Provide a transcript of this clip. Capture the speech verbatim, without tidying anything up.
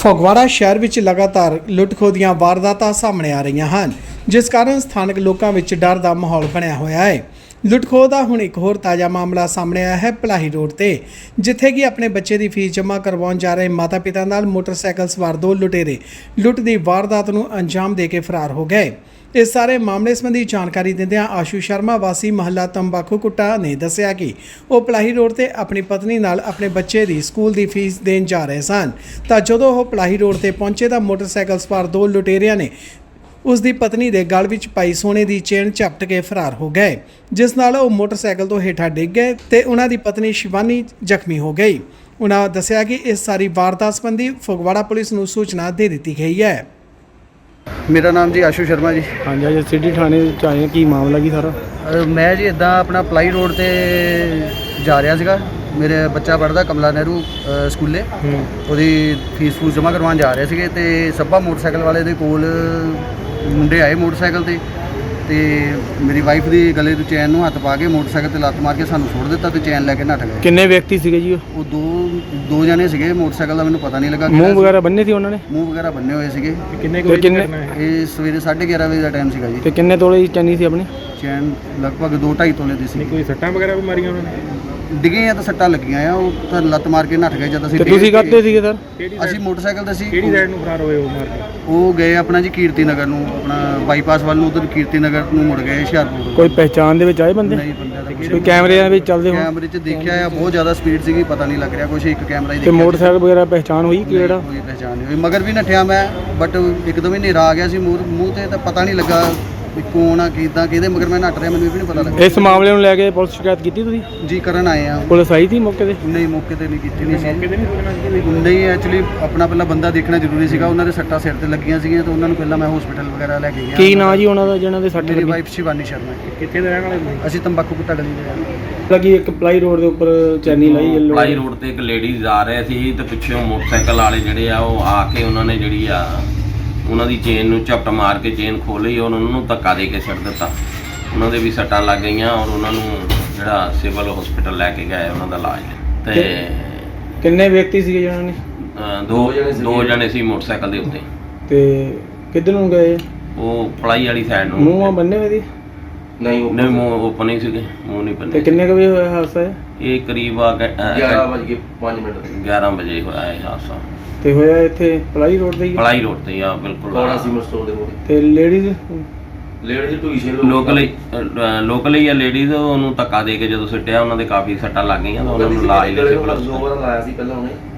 ਫਗਵਾੜਾ ਸ਼ਹਿਰ ਵਿੱਚ ਲਗਾਤਾਰ ਲੁੱਟ-ਖੋਹ ਦੀਆਂ ਵਾਰਦਾਤਾਂ ਸਾਹਮਣੇ ਆ ਰਹੀਆਂ ਹਨ, ਜਿਸ ਕਾਰਨ ਸਥਾਨਕ ਲੋਕਾਂ ਵਿੱਚ ਡਰ ਦਾ ਮਾਹੌਲ ਬਣਿਆ ਹੋਇਆ ਹੈ। ਲੁੱਟ-ਖੋਹ ਦਾ ਹੁਣ ਇੱਕ ਹੋਰ ਤਾਜ਼ਾ ਮਾਮਲਾ ਸਾਹਮਣੇ ਆਇਆ ਹੈ ਪਲਾਹੀ ਰੋਡ ਤੇ, ਜਿੱਥੇ ਕਿ ਆਪਣੇ ਬੱਚੇ ਦੀ ਫੀਸ ਜਮ੍ਹਾਂ ਕਰਵਾਉਣ ਜਾ ਰਹੇ ਮਾਤਾ-ਪਿਤਾ ਨਾਲ ਮੋਟਰਸਾਈਕਲ ਸਵਾਰ ਦੋ ਲੁਟੇਰੇ ਲੁੱਟ ਦੀ ਵਾਰਦਾਤ ਨੂੰ ਅੰਜਾਮ ਦੇ ਕੇ ਫਰਾਰ ਹੋ ਗਏ। ਇਸ ਸਾਰੇ ਮਾਮਲੇ ਸੰਬੰਧੀ ਜਾਣਕਾਰੀ ਦਿੰਦਿਆਂ ਆਸ਼ੂ ਸ਼ਰਮਾ ਵਾਸੀ ਮਹੱਲਾ ਤੰਬਾਕੂ ਕੁੱਟਾ ਨੇ ਦੱਸਿਆ ਕਿ ਉਹ ਪਲਾਹੀ ਰੋਡ ਤੇ ਆਪਣੀ ਪਤਨੀ ਨਾਲ ਆਪਣੇ ਬੱਚੇ ਦੀ ਸਕੂਲ ਦੀ ਫੀਸ ਦੇਣ ਜਾ ਰਹੇ ਸਨ ਤਾਂ ਜਦੋਂ ਉਹ ਪਲਾਹੀ ਰੋਡ ਤੇ ਪਹੁੰਚੇ ਤਾਂ ਮੋਟਰਸਾਈਕਲ ਸਵਾਰ ਦੋ ਲੁਟੇਰਿਆਂ ਨੇ ਉਸ ਦੀ ਪਤਨੀ ਦੇ ਗਲ ਵਿੱਚ ਪਾਈ ਸੋਨੇ ਦੀ ਚੇਨ ਝਪਟ ਕੇ ਫਰਾਰ ਹੋ ਗਏ, ਜਿਸ ਨਾਲ ਉਹ ਮੋਟਰਸਾਈਕਲ ਤੋਂ ਹੇਠਾਂ ਡਿੱਗ ਗਏ ਤੇ ਉਹਨਾਂ ਦੀ ਪਤਨੀ ਸ਼ਿਵਾਨੀ ਜ਼ਖਮੀ ਹੋ ਗਈ। ਉਹਨਾਂ ਦੱਸਿਆ ਕਿ ਇਸ ਸਾਰੀ ਵਾਰਦਾਤ ਸੰਬੰਧੀ ਫਗਵਾੜਾ ਪੁਲਿਸ ਨੂੰ ਸੂਚਨਾ ਦੇ ਦਿੱਤੀ ਗਈ ਹੈ। ਮੇਰਾ ਨਾਮ ਜੀ ਆਸ਼ੂ ਸ਼ਰਮਾ ਜੀ। ਹਾਂਜੀ ਅੱਜ ਸਿਟੀ ਥਾਣੇ ਚ ਆਏ ਹਾਂ, ਕੀ ਮਾਮਲਾ ਕੀ ਸਾਰਾ? ਅ, ਮੈਂ ਜੀ ਇੱਦਾਂ ਆਪਣਾ ਪਲਾਈ ਰੋਡ ਤੇ ਜਾ ਰਿਹਾ ਸੀਗਾ। ਮੇਰੇ ਬੱਚਾ ਪੜ੍ਹਦਾ ਕਮਲਾ ਨਹਿਰੂ ਅ, ਸਕੂਲੇ, ਉਹਦੀ ਫੀਸ ਫੂਸ ਜਮ੍ਹਾਂ ਕਰਵਾਉਣ ਜਾ ਰਹੇ ਸੀਗੇ ਤੇ ਸੱਭਾ ਮੋਟਰਸਾਈਕਲ ਵਾਲੇ ਦੇ ਕੋਲ ਮੁੰਡੇ ਆਏ ਮੋਟਰਸਾਈਕਲ ਤੇ ਤੇ ਮੇਰੀ ਵਾਈਫ ਦੀ ਗਲੇ ਤੋਂ ਚੈਨ ਨੂੰ ਹੱਥ ਪਾ ਕੇ ਮੋਟਰਸਾਈਕਲ ਤੇ ਲੱਤ ਮਾਰ ਕੇ ਸਾਨੂੰ ਸੁੱਟ ਦਿੱਤਾ ਤੇ ਚੈਨ ਲੈ ਕੇ ਨੱਠ ਗਏ। ਕਿੰਨੇ ਵਿਅਕਤੀ ਸੀਗੇ ਜੀ? ਉਹ ਉਹ ਦੋ ਦੋ ਜਣੇ ਸੀਗੇ। ਮੋਟਰਸਾਈਕਲ ਦਾ ਮੈਨੂੰ ਪਤਾ ਨਹੀਂ ਲੱਗਾ। ਮੂੰਹ ਵਗੈਰਾ ਬੰਨੇ ਸੀ ਉਹਨਾਂ ਨੇ? ਮੂੰਹ ਵਗੈਰਾ ਬੰਨੇ ਹੋਏ ਸੀਗੇ। ਕਿੰਨੇ ਕੁ ਕਿੰਨੇ ਇਹ ਸਵੇਰੇ ਸਾਢੇ ਗਿਆਰਾਂ ਵਜੇ ਦਾ ਟਾਈਮ ਸੀਗਾ ਜੀ। ਤੇ ਕਿੰਨੇ ਤੋਲੇ ਦੀ ਚੈਨੀ ਸੀ ਆਪਣੀ? ਚੈਨ ਲਗਭਗ ਦੋ ਢਾਈ ਤੋਲੇ ਦੀ ਸੀ। ਕੋਈ ਸੱਟਾਂ ਵਗੈਰਾ ਵੀ ਮਾਰੀਆਂ ਉਹਨਾਂ ਨੇ? ਡਿੱਗੇ ਆ ਤਾਂ ਸੱਟਾਂ ਲੱਗੀਆਂ ਆ। ਉਹ ਤਾਂ ਲੱਤ ਮਾਰ ਕੇ ਨੱਠ ਗਏ ਜਦ ਅਸੀਂ। ਤੇ ਤੁਸੀਂ ਕਾਹਤੇ ਸੀਗੇ ਸਰ? ਅਸੀਂ ਮੋਟਰਸਾਈਕਲ ਤੇ ਸੀ। ਕਿਹੜੀ ਸਾਈਡ ਨੂੰ ਫਰਾਰ ਹੋਏ ਉਹ ਮਾਰ ਕੇ? ਉਹ ਗਏ ਆਪਣਾ ਜੀ ਕੀਰਤੀ ਨਗਰ ਨੂੰ, ਆਪਣਾ ਬਾਈਪਾਸ ਵੱਲ ਨੂੰ, ਉਧਰ ਕੀਰਤੀ ਨਗਰ ਨੂੰ ਮੁੜ ਗਏ ਹੁਸ਼ਿਆਰਪੁਰ। ਕੋਈ ਪਹਿਚਾਣ ਦੇ ਵਿੱਚ ਆਏ ਬੰਦੇ? ਨਹੀਂ ਬੰਦੇ ਦਾ ਕੋਈ ਕੈਮਰਿਆਂ ਵਿੱਚ ਚੱਲਦੇ ਹੋਣ? ਕੈਮਰੇ 'ਚ ਦੇਖਿਆ ਆ, ਬਹੁਤ ਜ਼ਿਆਦਾ ਸਪੀਡ ਸੀਗੀ, ਪਤਾ ਨਹੀਂ ਲੱਗ ਰਿਹਾ ਕੁਛ। ਇੱਕ ਕੈਮਰਾ ਹੀ ਤੇ ਦੇਖਿਆ। ਮੋਟਰਸਾਈਕਲ ਵਗੈਰਾ ਪਹਿਚਾਣ ਹੋਈ ਕਿਹੜਾ? ਕੋਈ ਪਹਿਚਾਣ ਨਹੀਂ ਹੋਈ। ਮਗਰ ਵੀ ਨੱਠਿਆ ਮੈਂ, ਬਟ ਇੱਕਦਮ ਹੀ ਹਨੇਰਾ ਆ ਗਿਆ ਸੀ ਮੂੰਹ ਮੂੰਹ ਤੇ, ਤਾਂ ਪਤਾ ਨਹੀਂ ਲੱਗਾ ਵੀ ਕੌਣ ਆ ਕਿੱਦਾਂ ਕਿਹਦੇ ਮਗਰ ਮੈਂ ਨੱਠ ਰਿਹਾ, ਮੈਨੂੰ ਇਹ ਵੀ ਨਹੀਂ ਪਤਾ ਲੱਗਾ। ਇਸ ਮਾਮਲੇ ਨੂੰ ਲੈ ਕੇ ਪੁਲਿਸ ਸ਼ਿਕਾਇਤ ਕੀਤੀ ਤੁਸੀਂ? ਜੀ ਕਰਨ ਆਏ ਆ। ਪੁਲਿਸ ਆਈ ਸੀ ਮੌਕੇ ਤੇ? ਨਹੀਂ ਮੌਕੇ ਤੇ ਨਹੀਂ ਕੀਤੀ ਨਹੀਂ ਸੀ। ਨਹੀਂ ਐਕਚੁਅਲੀ ਆਪਣਾ ਪਹਿਲਾਂ ਬੰਦਾ ਦੇਖਣਾ ਜ਼ਰੂਰੀ ਸੀਗਾ। ਉਹਨਾਂ ਦੇ ਸੱਟਾਂ ਸਿਰ ਤੇ ਲੱਗੀਆਂ ਸੀਗੀਆਂ ਤਾਂ ਉਹਨਾਂ ਨੂੰ ਪਹਿਲਾਂ ਮੈਂ ਹਸਪੀਟਲ ਵਗੈਰਾ ਲੈ ਕੇ ਗਿਆ। ਕੀ ਨਾਂ ਜੀ ਉਹਨਾਂ ਦਾ ਜਿਹਨਾਂ ਦੇ ਸੱਟ ਮੇਰੀ ਲੱਗੀ? ਵਾਈਫ ਸ਼ਿਵਾਨੀ ਸ਼ਰਮਾ। ਕਿੱਥੇ ਦੇ ਰਹਿਣ ਵਾਲੇ? ਅਸੀਂ ਤੰਬਾਕੂ ਕੁੱਟਾ ਗਲੀ ਦੇ ਰਹਿਣ ਵਾਲੇ। ਲੱਗੀ ਇੱਕ ਪਲਾਈ ਰੋਡ ਦੇ ਉੱਪਰ ਚੈਨੀ ਲਾਈ ਯੈਲੋ ਪਲਾਈ ਰੋਡ ਤੇ ਇੱਕ ਲੇਡੀਜ਼ ਆ ਰਹੇ ਸੀ ਤੇ ਪਿੱਛੋਂ ਮੋਟਰਸਾਈਕਲ ਵਾਲੇ ਜਿਹੜੇ ਆ ਉਹ ਆ ਕੇ ਉਹਨਾਂ ਨੇ ਜਿਹੜੀ ਆ ਉਹਨਾਂ ਦੀ ਚੇਨ ਨੂੰ ਝਪਟ ਮਾਰ ਕੇ ਚੇਨ ਖੋਲ੍ਹੀ ਔਰ ਉਹਨਾਂ ਨੂੰ ਧੱਕਾ ਦੇ ਕੇ ਛੱਡ ਦਿੱਤਾ। ਉਹਨਾਂ ਦੇ ਵੀ ਸੱਟਾਂ ਲੱਗ ਗਈਆਂ ਔਰ ਉਹਨਾਂ ਨੂੰ ਜਿਹੜਾ ਸਿਵਲ ਹਸਪੀਟਲ ਲੈ ਕੇ ਗਏ ਉਹਨਾਂ ਦਾ ਇਲਾਜ। ਤੇ ਕਿੰਨੇ ਵਿਅਕਤੀ ਸੀਗੇ ਜਿਹਨਾਂ ਨੇ? ਅ, ਦੋ ਦੋ ਜਣੇ ਸੀ ਮੋਟਰਸਾਈਕਲ ਦੇ ਉੱਤੇ। ਤੇ ਕਿੱਧਰ ਨੂੰ ਗਏ? ਉਹ ਪਲਾਈ ਵਾਲੀ ਸਾਈਡ ਨੂੰ। ਮੂੰਹ ਆ ਬੰਨੇ ਹੋਏ ਦੀ? ਨਹੀਂ ਨਹੀਂ ਮੂੰਹ ਓਪਨ ਹੀ ਸੀਗੇ, ਮੂੰਹ ਨਹੀਂ ਤੇ ਬੰਨੇ। ਕਿੰਨੇ ਕੁ ਵਜੇ ਹੋਇਆ ਹਾਦਸਾ ਇਹ? ਇਹ ਕਰੀਬ ਆ ਗਿਆਰਾਂ ਵਜੇ ਕੇ ਪੰਜ ਮਿੰਟ ਗਿਆਰਾਂ ਵਜੇ ਹੋਇਆ ਇਹ ਹਾਦਸਾ। ਤੇ ਹੋਇਆ ਇੱਥੇ ਪਲਾਈ ਰੋਡ ਤੇ ਹੀ? ਪਲਾਈ ਰੋਡ ਤੇ ਹੀ ਆ ਬਿਲਕੁਲ। ਕੋਣਾ ਸੀ ਸਟੋਰ ਦੇ ਮੂਹਰੇ। ਤੇ ਲੇਡੀਜ਼ ਲੇਡੀ ਜੀ ਟੂਈ ਸ਼ੇਲ ਲੋਕਲ ਲੋਕਲ ਹੀ ਆ ਲੇਡੀਜ਼। ਉਹਨੂੰ ਧੱਕਾ ਦੇ ਕੇ ਜਦੋਂ ਸੁੱਟਿਆ ਉਹਨਾਂ ਦੇ ਕਾਫੀ ਸੱਟਾਂ ਲੱਗ ਗਈਆਂ ਤਾਂ ਉਹਨਾਂ ਨੂੰ ਇਲਾਜ ਲਈ ਸਿਵਲ ਦੋ ਵਾਰ ਲਾਇਆ ਸੀ ਪਹਿਲਾਂ ਉਹਨੇ।